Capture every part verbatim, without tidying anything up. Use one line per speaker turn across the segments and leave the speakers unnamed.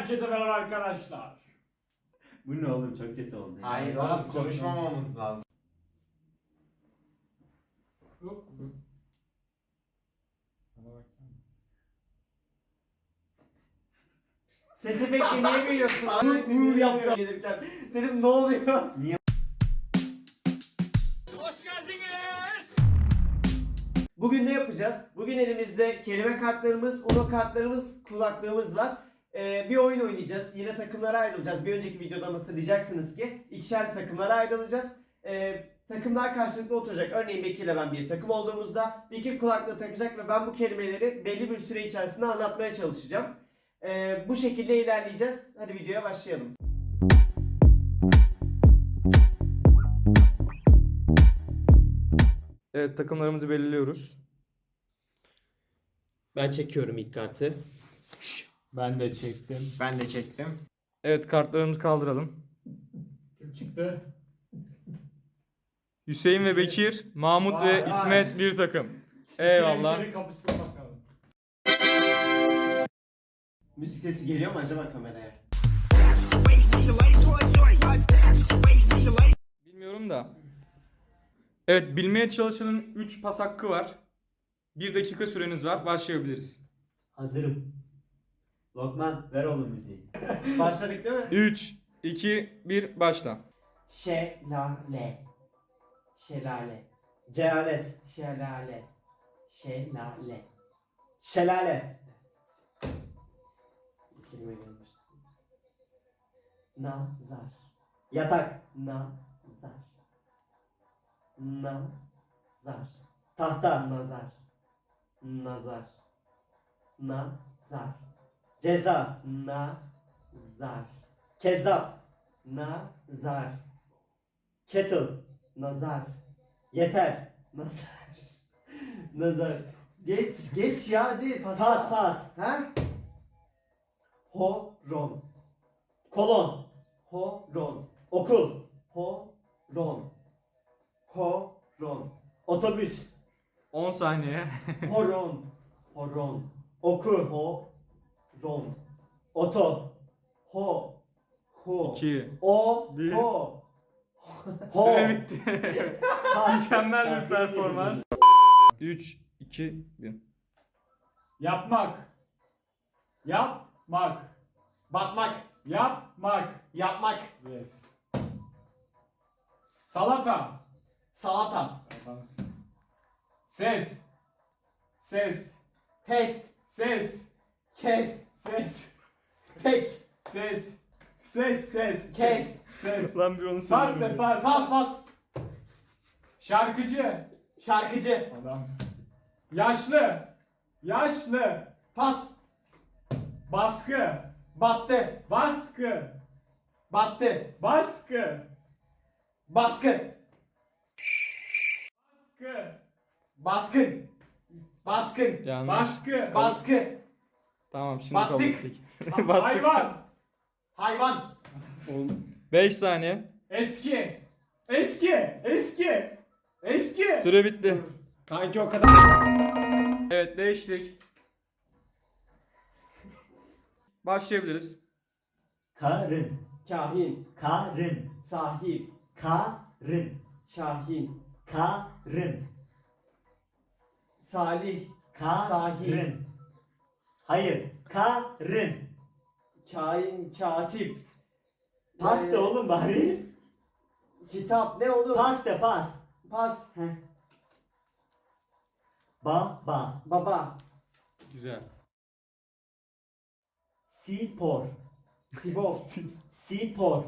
Herkese merhaba arkadaşlar.
Bu ne oğlum, çok kötü oldu. ya.
Hayır oğlum, konuşmamamız lazım.
Ses efekti niye veriyorsun? Uğur uğur yaptı gelirken. Dedim ne oluyor? Niye?
Hoş geldiniz.
Bugün ne yapacağız? Bugün elimizde kelime kartlarımız, uno kartlarımız, kulaklığımız var. Ee, bir oyun oynayacağız. Yine takımlara ayrılacağız. Bir önceki videodan hatırlayacaksınız ki ikişer takımlara ayrılacağız. Ee, takımlar karşılıklı oturacak. Örneğin Bekir ile ben bir takım olduğumuzda Bekir kulaklığı takacak ve ben bu kelimeleri belli bir süre içerisinde anlatmaya çalışacağım. Ee, bu şekilde ilerleyeceğiz. Hadi videoya başlayalım.
Evet, takımlarımızı belirliyoruz.
Ben çekiyorum ilk kartı.
Ben de çektim.
Ben de çektim.
Evet, kartlarımızı kaldıralım.
Kim çıktı?
Hüseyin ve Bekir, Mahmut
Vay
ve
vay.
İsmet bir takım. Eyvallah.
İçeri kapışsın bakalım.
Müzik sesi geliyor mu acaba kameraya?
Bilmiyorum da. Evet, bilmeye çalışanın üç pas hakkı var. bir dakika süreniz var. Başlayabiliriz.
Hazırım. Lokman ver oğlum müziği. Başladık değil mi?
üç, iki, bir, başla.
Şelale. Şelale. Cehalet. Şelale. Şelale. Şelale. Bu kelime gelmiş. Nazar. Yatak. Nazar. Nazar. Tahta. Nazar. Nazar. Nazar. Ceza. Nazar. Kezzap. Nazar. Kettle. Nazar. Yeter. Nazar. Nazar. Geç, geç ya hadi. Pas pas. pas. Ha? Horon. Kolon. Horon. Okul. Horon. Horon. Otobüs.
on saniye.
Horon. Horon. Oku. Horon. Oto. Ho. Ho.
iki.
O.
Bir.
Ho. Ho.
Süre bitti. Mükemmel bir performans. üç, iki, bir.
Yapmak. Yapmak.
Batmak.
Yapmak.
Yapmak.
Yes. Salata.
Salata.
Ses. Ses.
Test.
Ses.
Kes.
Ses.
Tek.
Ses. Ses. Ses.
Kes.
Ses.
Lan bir onu
Pas de
söyleyeyim.
pas.
Pas pas.
Şarkıcı.
Şarkıcı.
Adam. Yaşlı. Yaşlı.
Pas.
Baskı.
Battı.
Baskı.
Battı.
Baskı.
Baskı.
Baskı.
Baskın. Baskın.
Yanlış.
Baskı.
Baskı.
Tamam, şimdi
Battık.
kabul ettik.
Ha- Hayvan.
Hayvan.
beş saniye.
Eski. Eski. Eski. Eski.
Süre bitti.
Kanki o kadar.
Evet, değiştik. Başlayabiliriz.
Karın.
Kahin.
Karın.
Sahil.
Karın.
Şahin.
Karın.
Salih. Sahil.
Karın. Hayır. Karın.
Kain. Katip.
Pasta
Ee,
oğlum bari.
Kitap. Ne oğlum?
Pasta pas.
Pas.
Baba.
Baba.
Güzel.
Spor.
Sibop.
Spor.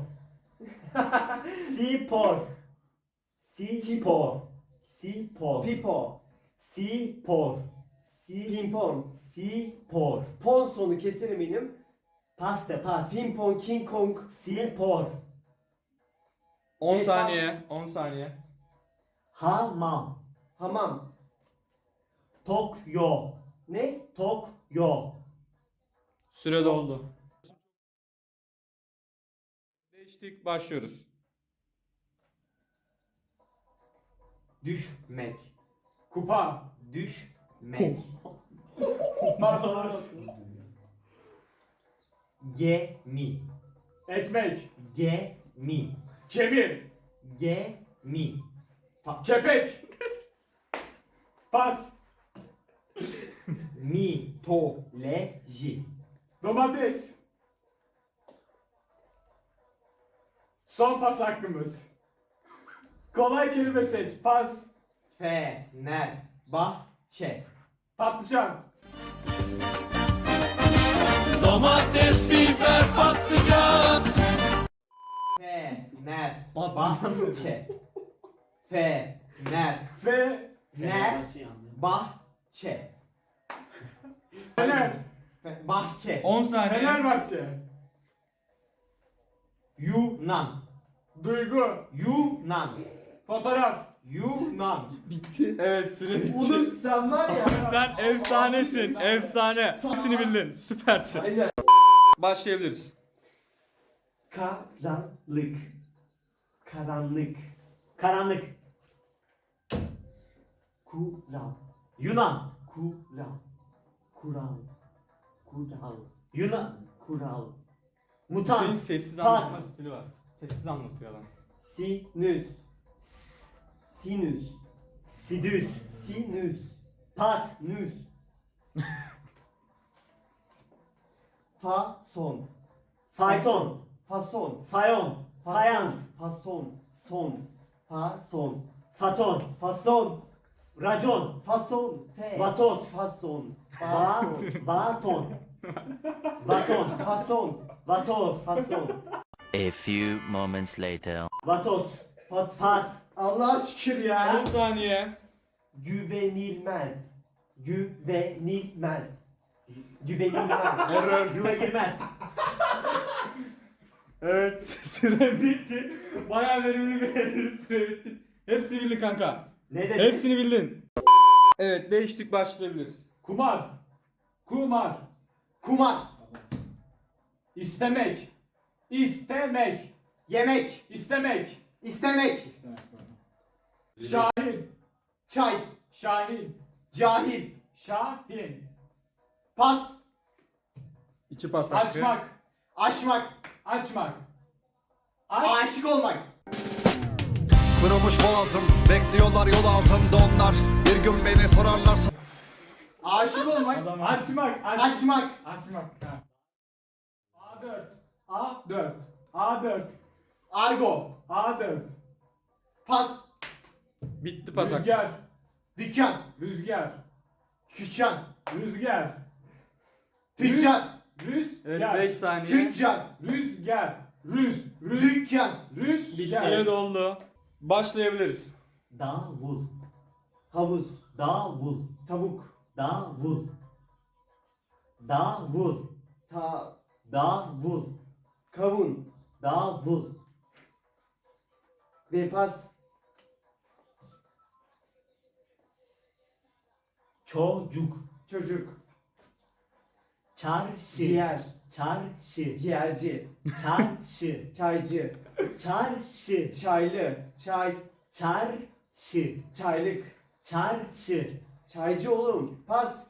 Spor. Spor. Spor.
Pipo.
Spor.
Pimpon.
Spor.
Pon sonu kesin eminim.
Pasta pas.
Pimpon. King Kong.
Spor.
on
Evet,
saniye. on saniye.
Hamam.
Hamam.
Tokyo.
Ne?
Tokyo.
Süre doldu. Değiştik, başlıyoruz.
Düşmek.
Kupa.
Düşmek.
Pas pas.
Gemi.
Ekmek.
Gemi.
Kemir.
Gemi.
Kepek. Pas.
Mitoloji.
Domates. Son pas hakkımız. Kolay kelime seç. Pas.
Fenerbahçe.
Patlıcan.
Domates, biber, patlıcan.
Fenerbahçe. Fener.
Fe.
Bahçe.
Fener.
Fe- Bahçe.
on saniye.
Fenerbahçe.
Yunan.
Duygu.
Yunan.
Fotoğraf.
Yunan.
Evet süre bitti.
Oğlum sen var ya.
Sen efsanesin. Efsane. Hepsini bildin. Süpersin.
Aynen.
Başlayabiliriz.
Karanlık. Karanlık.
Karanlık.
Kural.
Yunan.
Kural. Kural. Kural.
Yunan.
Kural.
Senin
Mutant.
sessiz
Pas.
anlatma stili var. Sessiz anlatıyor adam.
Sinüs. S- Sinüs.
Sidüs.
Sinüs.
Pas.
Nüs. Fason.
Fayton.
Fason.
Fayon. Fayans.
Fason. Son. Fason.
Faton.
Fason.
Racon.
Fason. Te.
Vatos.
Fason.
Va.
Fason.
Vaton. Vaton.
Fason.
Vator.
Fason.
A few moments later.
Vatos.
Fas.
Pas.
Allah şükür ya.
on saniye.
Güvenilmez. Güvenilmez. Güvenilmez.
Error.
Güve girmez.
Evet süre bitti. Bayağı verimli bir süre bitti. Hepsini bildin kanka.
Ne dedi?
Hepsini bildin. Evet değiştik başlayabiliriz.
Kumar. Kumar.
Kumar.
İstemek. İstemek.
Yemek.
İstemek.
İstemek.
Şahin.
Çay.
Şahin.
Cahil.
Şahin.
Pas.
İki pas hakkı.
Açmak.
Aşmak.
Açmak. Aç.
Aşık olmak.
Kırılmış boğazım, bekliyorlar yol altında onlar. Bir gün beni sorarlarsa.
Aşık olmak.
Adam
Açmak. Aç.
Açmak.
Açmak. Ha. A dört. A dört. A dört.
Argo.
A dört.
Pas.
bitti pas hakkı.
Rüzgar.
Dükkan.
Rüzgar.
Kükkan.
Rüzgar.
Tüccar.
Rüzgar.
Evet beş saniye.
Tüccar.
Rüzgar. Rüz. Rüz.
Dükkan.
Rüzgar.
Süre doldu. Başlayabiliriz.
Davul.
Havuz.
Davul.
Tavuk.
Davul. Davul.
Ta.
Davul.
Kavun.
Davul.
Ve pas.
Çocuk.
Çocuk.
Çarşı.
Ciğer.
Çarşı.
Ciğerci.
Çarşı.
Çaycı.
Çarşı.
Çaylı. Çay.
Çarşı.
Çaylık.
Çarşı.
Çaycı oğlum. Pas.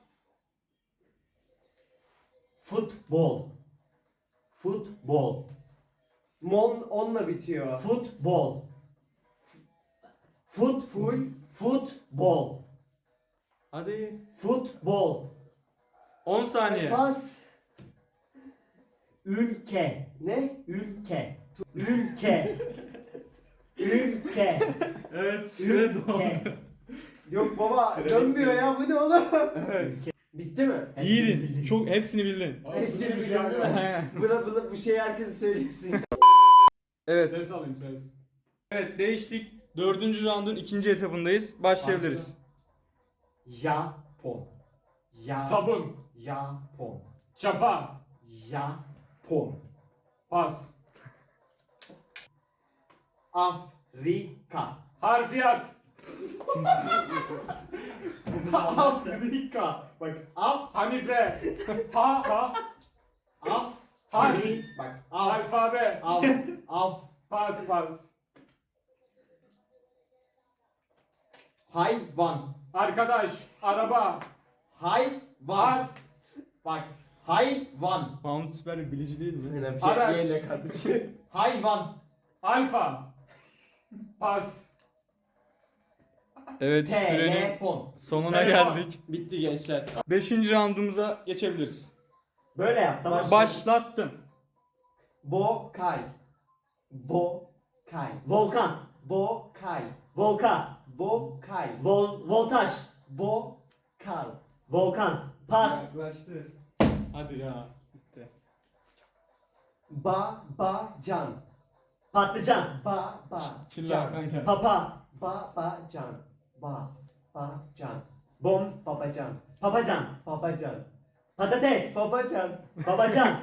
Futbol. Futbol.
Mon onunla bitiyor.
Futbol. Fut
Full.
Futbol.
Hadi.
Futbol.
on saniye.
Pas.
Ülke.
Ne?
Ülke. Ülke. Ülke.
Evet süre doldu.
Ülke.
Yok baba
Süre
dönmüyor
bitti.
ya bu ne oğlum?
Evet.
Bitti mi?
İyiydin. Çok hepsini bildin.
Hepsini
Rüzgar.
biliyorum değil mi? Buna, buna bu şeyi herkese söylüyorsun.
Evet.
Ses alayım ses.
Evet değiştik. Dördüncü roundun ikinci etapındayız. Başlayabiliriz.
Japon. Ya.
Sabun.
Japon.
Çapa.
Japon.
Pas.
Afrika.
Harfiyat.
Afrika. Bak af
Hanife. Ha ha.
af.
Harf.
Bak af.
Alfabe.
Af. Af.
Pas pas.
Hayvan.
Arkadaş. Araba.
Hayvan.
Har.
Bak Hayvan.
Mahmut süper bir bilici değil mi?
Aynen,
Araç.
F Y ile kardeşim.
Hayvan.
Alfa. Pas.
Evet sürenin
Telefon.
sonuna
Telefon.
geldik.
Bitti gençler.
Beşinci roundumuza geçebiliriz.
Böyle yap tamam.
Başlattım.
Vokal. Vokal. Volkan. Vokal. Volka. Vokal. Vol voltaj. Vokal. Volkan. Pas.
Yaklaştı. Hadi ya. Bitti.
Ba ba can. Patlıcan. Ba ba
Çilla
can.
Hakan geldi.
Papa. Ba ba can. Ba ba can. Bom babacan. Papacan. Babacan. Patates. Babacan. Babacan.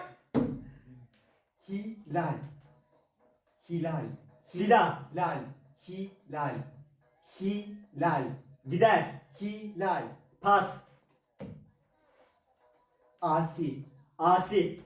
Hilal. Hilal. Silah. Lal. Hilal. Hilal. Gider. Hilal. Pas. Asi. Asi.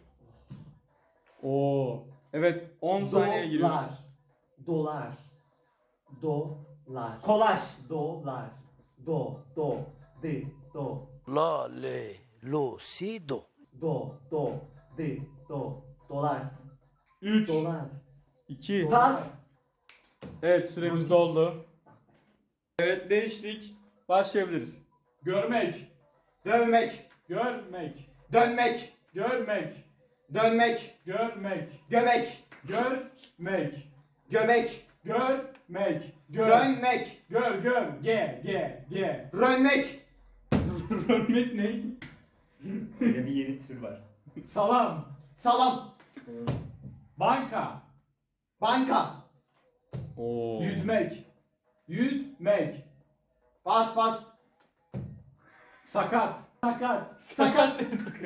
Oo. Evet on saniye giriyoruz.
Dolar. Dolar. Kolaj. Dolar. Do. Do. Di. Do.
La, le, lo, si, do.
Do. Do. Di. Do. Dolar.
üç,
Dolar.
iki.
Pas.
Evet süremiz doldu. Evet değiştik. Başlayabiliriz.
Görmek.
Dövmek.
Görmek.
Dönmek.
Görmek.
Dönmek.
Görmek.
Göbek.
Görmek.
Göbek.
Görmek. Gör.
Dönmek.
Gör gör. Ge ge ge.
Rönmek.
Örnek ne?
Böyle bir yeni tür var.
Salam.
Salam.
Banka.
Banka.
Oo.
Yüzmek. Yüzmek.
Bas bas.
Sakat. Sakat.
Sakat.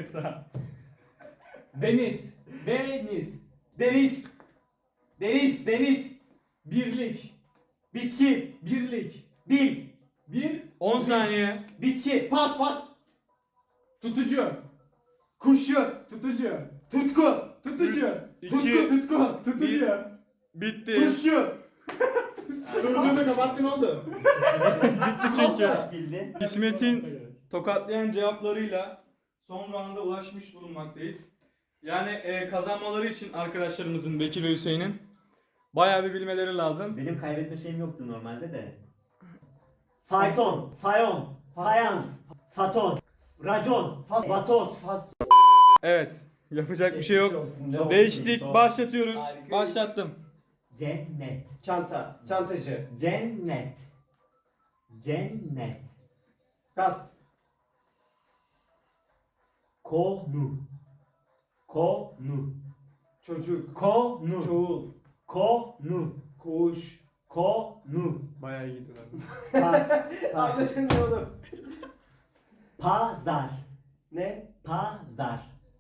Deniz. Deniz.
Deniz. Deniz. Deniz.
Birlik.
Bitki.
Birlik.
Bil.
Bir.
on saniye.
Bitki. Pas pas.
Tutucu.
Kuşu.
Tutucu.
Tutku.
Tutucu.
Tutku
iki.
tutku.
Tutucu.
Bitti.
Kuşu. Durduğunu kapattın oldu.
Bitti çünkü.
Kaç bildi?
İsmet'in tokatlayan cevaplarıyla son rounda ulaşmış bulunmaktayız. Yani e, kazanmaları için arkadaşlarımızın Bekir ve Hüseyin'in bayağı bir bilmeleri lazım.
Benim kaybetme şeyim yoktu normalde de. Fayton, fayon, fayans, faton, racon, vatoz,
Evet. Yapacak bir şey yok.
Çok
Değiştik.
iyi.
Başlatıyoruz.
Harikayız.
Başlattım.
Cennet,
Çanta. Çantacı.
cennet, cennet,
Gaz.
konu, konu,
Çocuk.
konu,
Çoğul.
konu,
Kuş.
konu,
Bayağı iyi gidiyorlar.
pas, pas,
Anladın ne oğlum?
pazar,
Ne?
pazar,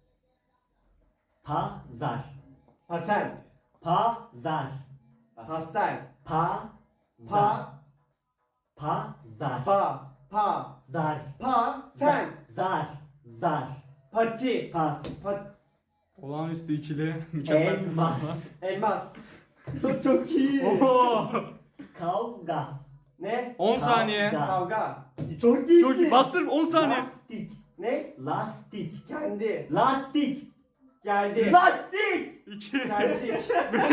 pazar,
Paten.
pazar,
Pastel.
pa,
Pa.
pazar,
Pa. Pa.
zar,
Pa. Ten.
zar, zar,
Pati.
pas,
Pat.
Olağanüstü ikili. Mükemmel.
elmas,
Elmas. Çok iyi.
Oo.
kavga,
Ne?
on saniye.
Kavga.
Kavga.
Çok iyisin.
Çok iyi. Bastır on saniye.
Lastik,
Ne?
lastik,
Kendi.
lastik,
Geldi.
lastik.
iki.
Geldi.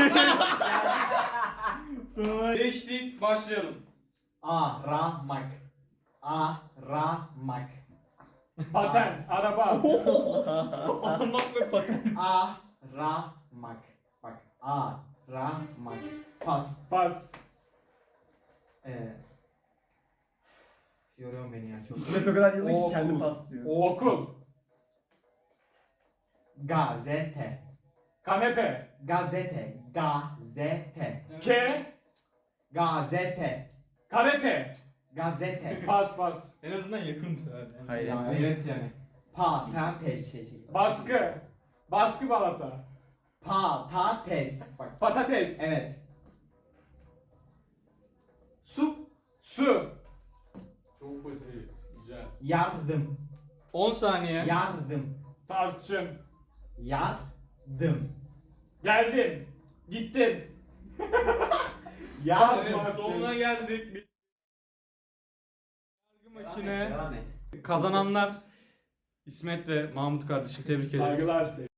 Sonra değiştik. Başlayalım.
Aramak. Aramak.
Paten. Araba.
Almak ve paten.
Aramak. Bak. Aramak. Pas.
Pas.
Ee, yoruyor beni ya çok.
İsmet o kadar yıllık
Okul.
ki kendi pas diyor.
Okul.
Gazete.
Kanepe.
Gazete. Gazete.
Ke.
Gazete.
Karate.
Gazete.
Pas pas.
En azından yakın bu sefer. Yani.
Hayır.
Ya evet yani. Patates.
Baskı. Baskı balata.
Patates. Bak.
Patates.
Evet. Su.
Su. Çok basit. Güzel.
Yardım.
on saniye.
Yardım.
Tarçın.
Yardım.
Geldim. Gittim.
Yardım.
Evet sonuna geldik. Bir- Yargı makine
Devam et.
kazananlar İsmet ve Mahmut kardeşim tebrik ederim.
Saygılar sevgiler.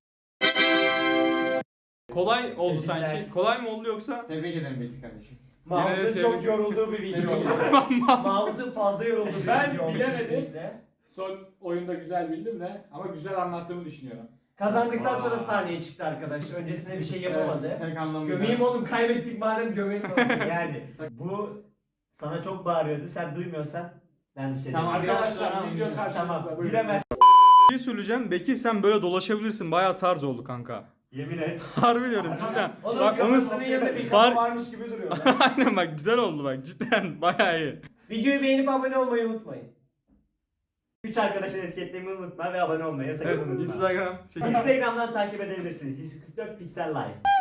Kolay oldu
Tebrikler.
sanki. Kolay mı oldu yoksa?
Tebrik ederim Bekir kardeşim.
Mahmut'un
Yine de
çok
tebrik-
yorulduğu bir video oldu. Mahmut'un fazla yorulduğu bir
Ben
video oldu
bilemedim.
kesinlikle.
Son oyunda güzel bildim de ama güzel anlattığımı düşünüyorum.
Kazandıktan sonra
Aa.
sahneye çıktı arkadaş. Öncesinde bir şey yapamadı.
Evet, tek anlamıyla.
Gömeyim oğlum, kaybettik madem gömelim oğlum. Yani bu sana çok bağırıyordu. Sen duymuyorsan ben bir şey
Tamam,
demiyorum.
biraz sonra
Arkadaşlar video
oynayacağız.
karşınızda.
Tamam.
Buyurun.
Bilemez.
Bir şey söyleyeceğim. Bekir sen böyle dolaşabilirsin. Bayağı tarz oldu kanka.
Yemin et.
Harbi diyorum cidden.
Onun
Bak onu
kafasının yanında bir
Var-
kafa varmış gibi duruyor.
aynen bak güzel oldu bak cidden bayağı iyi.
Videoyu beğenip abone olmayı unutmayın. Üç arkadaşın etiketlemeyi unutma ve abone olmayı sakın
Evet,
unutma.
Instagram. çekin.
Instagram'dan takip edebilirsiniz. yüz kırk dört Pixel Live.